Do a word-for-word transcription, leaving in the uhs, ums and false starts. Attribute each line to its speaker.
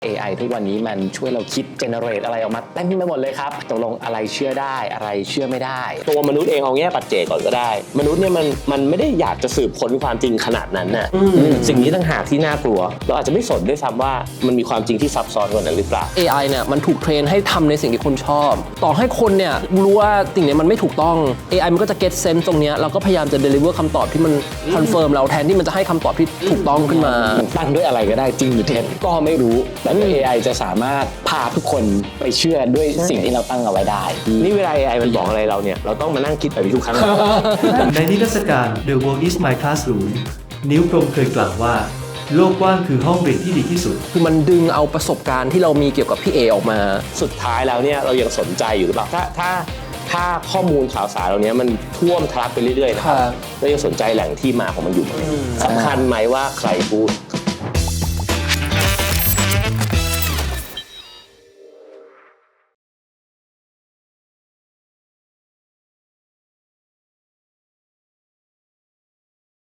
Speaker 1: เอ ไอ ทุกวันนี้มันช่วยเราคิดเจเนเรตอะไรออกมาเต็มไปหมดเลยครับตกลงอะไรเชื่อได้อะไรเชื่อไม่ได้
Speaker 2: ตัวมนุษย์เองเอาแง่ปัจเจกก่อนก็ได้มนุษย์เนี่ยมันมันไม่ได้อยากจะสืบค้นความจริงขนาดนั้นน่ะสิ่งนี้ต่างหากที่น่ากลัวเราอาจจะไม่สนด้วยซ้ำว่ามันมีความจริงที่ซับซ้อนกว่านั้นหรือเปล่า
Speaker 3: เอ ไอ เนี่ยมันถูกเทรนให้ทำในสิ่งที่คนชอบต่อให้คนเนี่ยรู้ว่าสิ่งนี้มันไม่ถูกต้อง เอ ไอ มันก็จะ get sense ตรงเนี้ยเราก็พยายามจะ deliver คำตอบที่มัน confirm เราแทนที่มันจะให้คำตอบที่ถูกต้องขึ้นมา
Speaker 1: มันตั้งด้วยอะไรก็ได้จริงหรือเท็จก็ไม่รู้แต่ เอ ไอ จะสามารถพาทุกคนไปเชื่อด้วยสิ่งที่เราตั้งเอาไว้ได้
Speaker 2: นี่เวลา เอ ไอ มันบอกอะไรเราเนี่ยเราต้องมานั่งคิดแบบนี้ทุกครั้ง
Speaker 4: ในนิทรรศการ The World is My Classroom นิ้วพรหมเคยกล่าวว่าโลกกว้างคือห้องเรียนที่ดีที่สุด
Speaker 3: คือมันดึงเอาประสบการณ์ที่เรามีเกี่ยวกับพี่เอออกมา
Speaker 2: สุดท้ายแล้วเนี่ยเรายังสนใจอยู่หรือเปล่าถ้าถ้าถ้าข้อมูลข่าวสารเหล่านี้มันท่วมทะลักไปเรื่อยๆนะครับเรายังสนใจแหล่งที่มาของมันอยู่ไหมสำคัญไหมว่าใครพูด